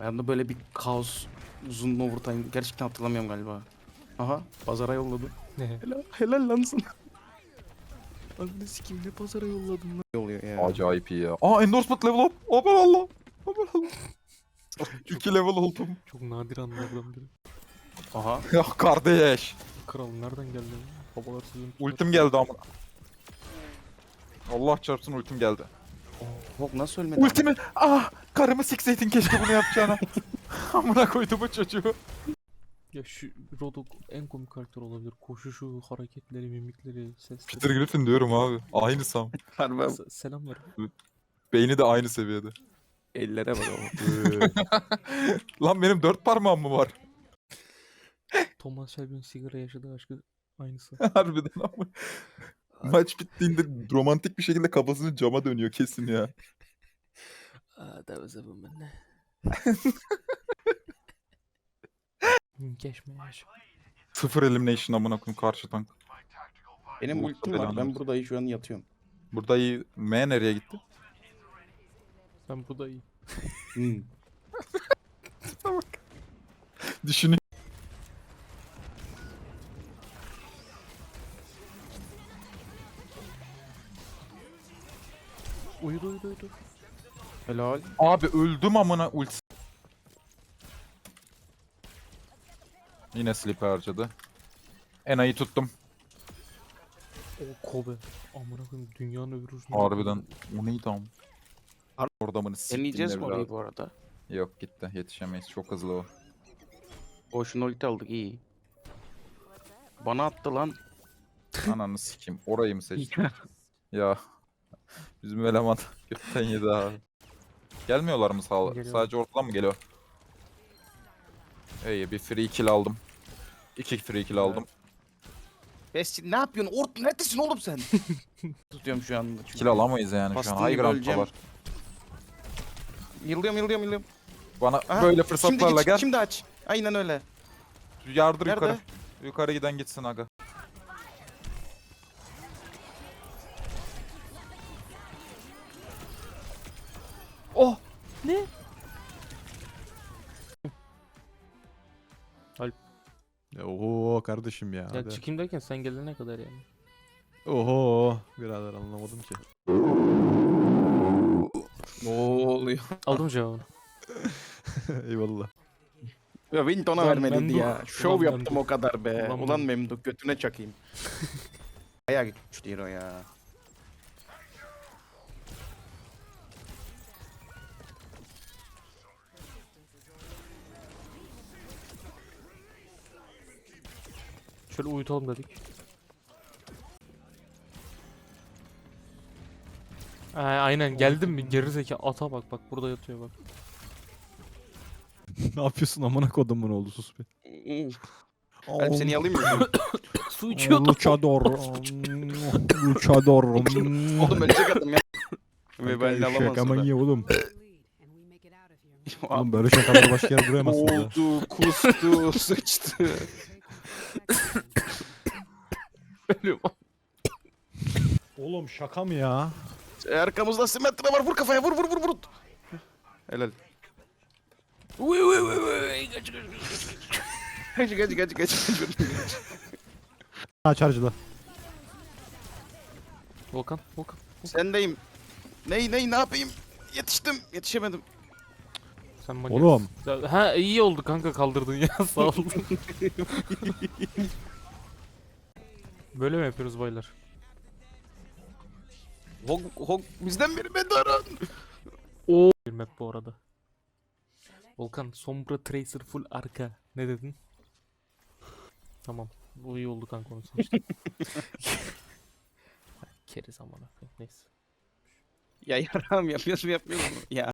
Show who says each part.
Speaker 1: Hayatımda böyle bir kaos uzun overtime gerçekten hatırlamıyorum galiba. Aha pazara yolladı.
Speaker 2: Ne?
Speaker 1: Helal lan sana. Anne sikim ne pazara yolladın lan. Ne oluyor ya?
Speaker 3: Acayip iyi ya. Aa endorsement level up. Aman Allah. Aman Allah. 2 level oldum.
Speaker 2: Çok nadir anlardan biri.
Speaker 1: Aha.
Speaker 3: Ya kardeş.
Speaker 2: Kral nereden geldi? Babalar sizin.
Speaker 3: Ultim geldi ama. Allah çarpsın ultim geldi.
Speaker 1: Bok nasıl ölmedi?
Speaker 3: Ultimi. Ah karımı sikseydin keşke bunu yapacağına. Amına koydum bu çocuğu.
Speaker 2: Ya şu Rodok en komik karakter olabilir. Koşuşu, hareketleri, mimikleri, sesleri.
Speaker 3: Peter Griffin diyorum abi. Aynı Sam.
Speaker 1: Harbi
Speaker 2: Selam ver.
Speaker 3: Beyni de aynı seviyede.
Speaker 1: ellere bak ama.
Speaker 3: Lan benim 4 parmağım mı var?
Speaker 2: Thomas Shelby'nin sigara yaşadığı aşkı aynısı.
Speaker 3: Harbiden ama. Maç bittiğinde romantik bir şekilde kafasını cama dönüyor kesin ya.
Speaker 2: That was a woman. Geçme yaş.
Speaker 3: 0 elimination amına koyayım karşı tank.
Speaker 1: Benim
Speaker 3: Bu
Speaker 1: ultim var.
Speaker 3: belanı
Speaker 1: Ben
Speaker 3: versin.
Speaker 1: burada şu an yatıyorum.
Speaker 3: Burada iyi. M nereye gitti?
Speaker 2: Ben bu da iyi.
Speaker 1: Hmm.
Speaker 3: Düşünün.
Speaker 2: Uyudu.
Speaker 1: Helal.
Speaker 3: Abi öldüm amına ulti. Yine sleep harcadı. Ena'yı tuttum.
Speaker 2: O Kobe. Amına koyayım dünyanın öbür ucunda.
Speaker 3: Harbiden. O neydi am? Orada mı
Speaker 1: Deneyeceğiz mi orayı bu arada?
Speaker 3: Yok gitti. Yetişemeyiz. Çok hızlı o.
Speaker 1: Boşuna ulti aldık iyi. Bana attı lan.
Speaker 3: Ananı sikeyim. Orayı mı seçtin? Ya. Bizim eleman götten yedi abi. Gelmiyorlar mı
Speaker 2: Geliyor.
Speaker 3: sadece ortadan mı geliyor? İyi bir free kill aldım. 2 free kill aldım.
Speaker 1: Besti ne yapıyorsun? Neredesin oğlum sen? Tutuyorum şu anda. çünkü.
Speaker 3: Kill alamayız yani şu an.
Speaker 1: Bastığını
Speaker 3: High
Speaker 1: böleceğim.
Speaker 3: ground'dalar.
Speaker 1: Yıllıyorum.
Speaker 3: Bana
Speaker 1: Aha,
Speaker 3: böyle
Speaker 1: Şimdi
Speaker 3: fırsatlarla
Speaker 1: git,
Speaker 3: gel.
Speaker 1: şimdi aç. Aynen öyle.
Speaker 3: Yardır
Speaker 1: Nerede?
Speaker 3: yukarı. Yukarı giden gitsin aga.
Speaker 2: Oh! Ne?
Speaker 4: Oho kardeşim ya.
Speaker 2: Ya
Speaker 4: hadi.
Speaker 2: çıkayım derken sen gelene kadar yani.
Speaker 4: Oho birader anlamadım ki.
Speaker 1: Ne oluyor?
Speaker 2: Aldım cevabını.
Speaker 4: Eyvallah.
Speaker 1: Ya beni ona
Speaker 2: Ulan
Speaker 1: vermedi
Speaker 2: Memduh.
Speaker 1: ya. Şov
Speaker 2: Ulan
Speaker 1: yaptım
Speaker 2: Memduh.
Speaker 1: o kadar be.
Speaker 2: Ulan
Speaker 1: Ulan Memduh götüne çakayım. Bayağı gitmiş değil o ya.
Speaker 2: Şöyle uyutalım dedik. Aynen geldim mi gerizekalı ata bak burada yatıyor bak.
Speaker 4: Ne yapıyorsun amına kodumun oğlu sus bir.
Speaker 1: Ben seni alayım mı?
Speaker 2: Su içiyordu.
Speaker 4: Luchador. Luchador.
Speaker 1: Oğlum ölecek adam ya. Ve ben de alamazsın.
Speaker 4: Şaka iyi oğlum.
Speaker 1: da.
Speaker 4: Oğlum böyle şakaları başka yere duramazsın ya.
Speaker 1: Oldu, kustu, sıçtı. Ölüyorum.
Speaker 4: Oğlum şaka mı ya?
Speaker 1: Arkamızda simetre var. Vur kafaya. Vur. Helal. Uy. Kaç.
Speaker 4: Ha charge'la.
Speaker 2: Volkan.
Speaker 1: Sendeyim. Ne yapayım? Yetişemedim.
Speaker 2: Sen manyak.
Speaker 4: Oğlum.
Speaker 2: Ha iyi oldu kanka kaldırdın ya sağ ol. Böyle mi yapıyoruz baylar?
Speaker 1: Hog bizden biri Medaran.
Speaker 2: Bir map bu arada. Volkan Sombra Tracer full arka. Ne dedin? Tamam. Bu iyi oldu kanka onu seçtim. Keriz amına koyayım. Neyse.
Speaker 1: Ya yaram yapıyoruz mu? Ya.